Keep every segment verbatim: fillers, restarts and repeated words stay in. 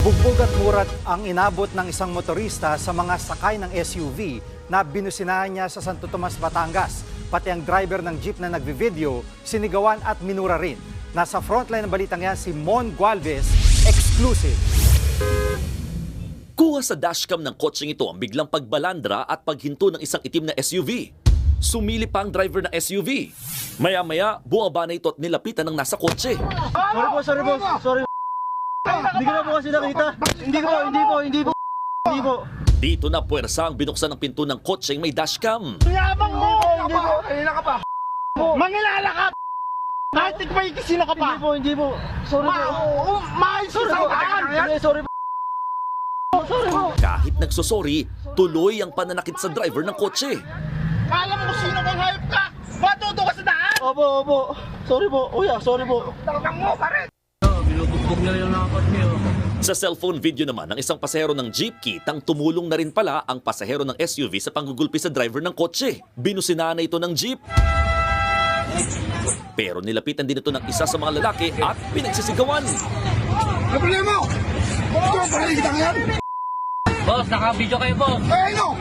Bugbog at murat ang inabot ng isang motorista sa mga sakay ng S U V na binusinahan niya sa Santo Tomas, Batangas. Pati ang driver ng jeep na nagvi-video, sinigawan at minura rin. Nasa frontline ng balitang yan si Mon Gualvez, exclusive. Kuha sa dashcam ng kotseng ito ang biglang pagbalandra at paghinto ng isang itim na S U V. Sumili pa ang driver ng S U V. Maya-maya, buwaba na ito at nilapitan ng nasa kotse. Sorry po, sorry po, sorry. Hindi ko na po kasi nakita. Hindi po, hindi po, hindi po, hindi po. Dito na puwersa ang binuksan ng pinto ng kotseng may dashcam. Yabang mo! Hindi po, Kanina ka pa! Mangilala ka! Kahit may sino ka pa! hindi po, hindi po. Sorry po. Maayos Sorry po. Hindi, sorry po. Sorry po. Kahit nagsosorry, tuloy ang pananakit sa driver ng kotse. Alam mo kung sino kang hayop ka! Matuto ka sa daan! Opo, opo. Sorry po. Kuya, sorry po. Talagang mo pa rin! Sa cellphone video naman ng isang pasahero ng jeep, kitang tumulong na rin pala ang pasahero ng S U V sa panggugulpi sa driver ng kotse. Binusinahan na ito ng jeep. Pero nilapitan din ito ng isa sa mga lalaki at pinagsisigawan. Ano problema mo? Ito ang paligid yan! Boss, naka-video kayo, boss. Eh, no!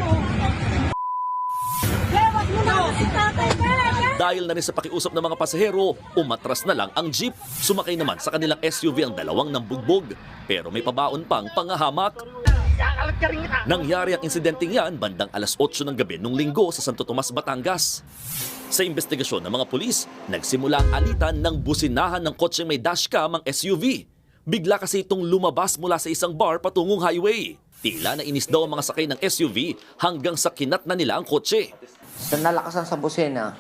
Dahil na rin sa pakiusap ng mga pasahero, umatras na lang ang jeep. Sumakay naman sa kanilang S U V ang dalawang nambugbog. Pero may pabaon pang pangahamak. Kakalat ka rin kita! Nangyari ang insidenteng yan bandang alas otso ng gabi nung linggo sa Santo Tomas, Batangas. Sa investigasyon ng mga pulis, nagsimula ang alitan ng businahan ng kotseng may dashcam ang S U V. Bigla kasi itong lumabas mula sa isang bar patungong highway. Tila na inis daw ang mga sakay ng S U V hanggang sa kinat na nila ang kotse. Sa nalakasan sa busina,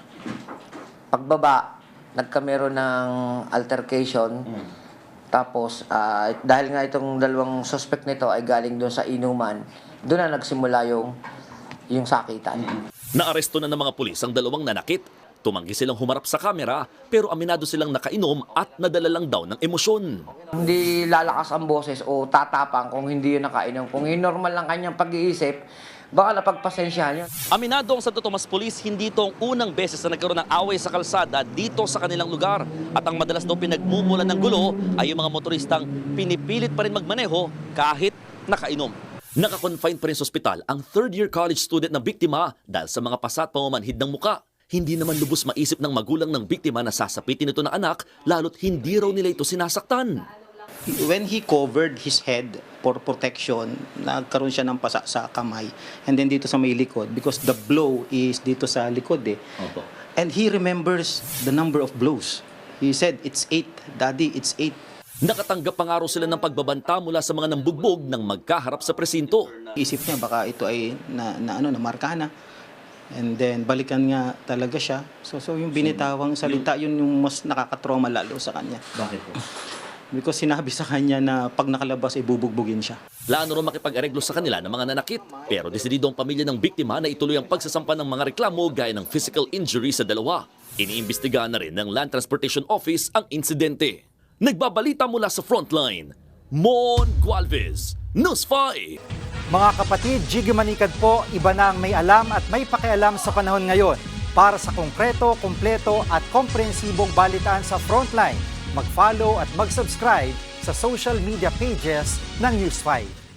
pagbaba, nagkamero ng altercation. Mm. Tapos, uh, dahil nga itong dalawang suspect nito ay galing doon sa inuman, doon na nagsimula yung, yung sakitan. Mm. Naaresto na ng mga pulis ang dalawang nanakit. Tumanggi silang humarap sa kamera pero aminado silang nakainom at nadala lang daw ng emosyon. Hindi lalakas ang boses o tatapang kung hindi yun nakainom. Kung yung normal lang kanyang pag-iisip, baka napagpasensyahan yun. Aminado ang Santo Tomas Police, hindi ito ang unang beses na nagkaroon ng away sa kalsada dito sa kanilang lugar. At ang madalas daw pinagmumulan ng gulo ay yung mga motoristang pinipilit pa rin magmaneho kahit nakainom. Nakakonfine pa rin sa ospital ang third-year college student na biktima dahil sa mga pasa at pamamanhid ng muka. Hindi naman lubos maisip ng magulang ng biktima na sasapitin ito ng anak lalo't hindi raw nila ito sinasaktan. When he covered his head for protection, nagkaroon siya ng pasa sa kamay. And then dito sa may likod, because the blow is dito sa likod eh. Opo. And he remembers the number of blows. He said, it's eight, daddy, it's eight. Nakatanggap pa nga raw sila ng pagbabanta mula sa mga nambugbog nang magkaharap sa presinto. Isip niya, baka ito ay na, na, ano, na marka na. And then, balikan nga talaga siya. So, so yung binitawang salita, yun yung mas nakakatrauma lalo sa kanya. Bakit po? Because sinabi sa kanya na pag nakalabas ay bubugbugin siya. Plano rin makipag-areglo sa kanila ng mga nanakit. Pero desidido ang pamilya ng biktima na ituloy ang pagsasampa ng mga reklamo gaya ng physical injury sa dalawa. Iniimbestigahan na rin ng Land Transportation Office ang insidente. Nagbabalita mula sa frontline, Mon Gualvez, News five. Mga kapatid, Jiggy Manikad po, iba na ang may alam at may pakialam sa panahon ngayon. Para sa konkreto, kumpleto at komprehensibong balitaan sa Frontline, mag-follow at mag-subscribe sa social media pages ng News five.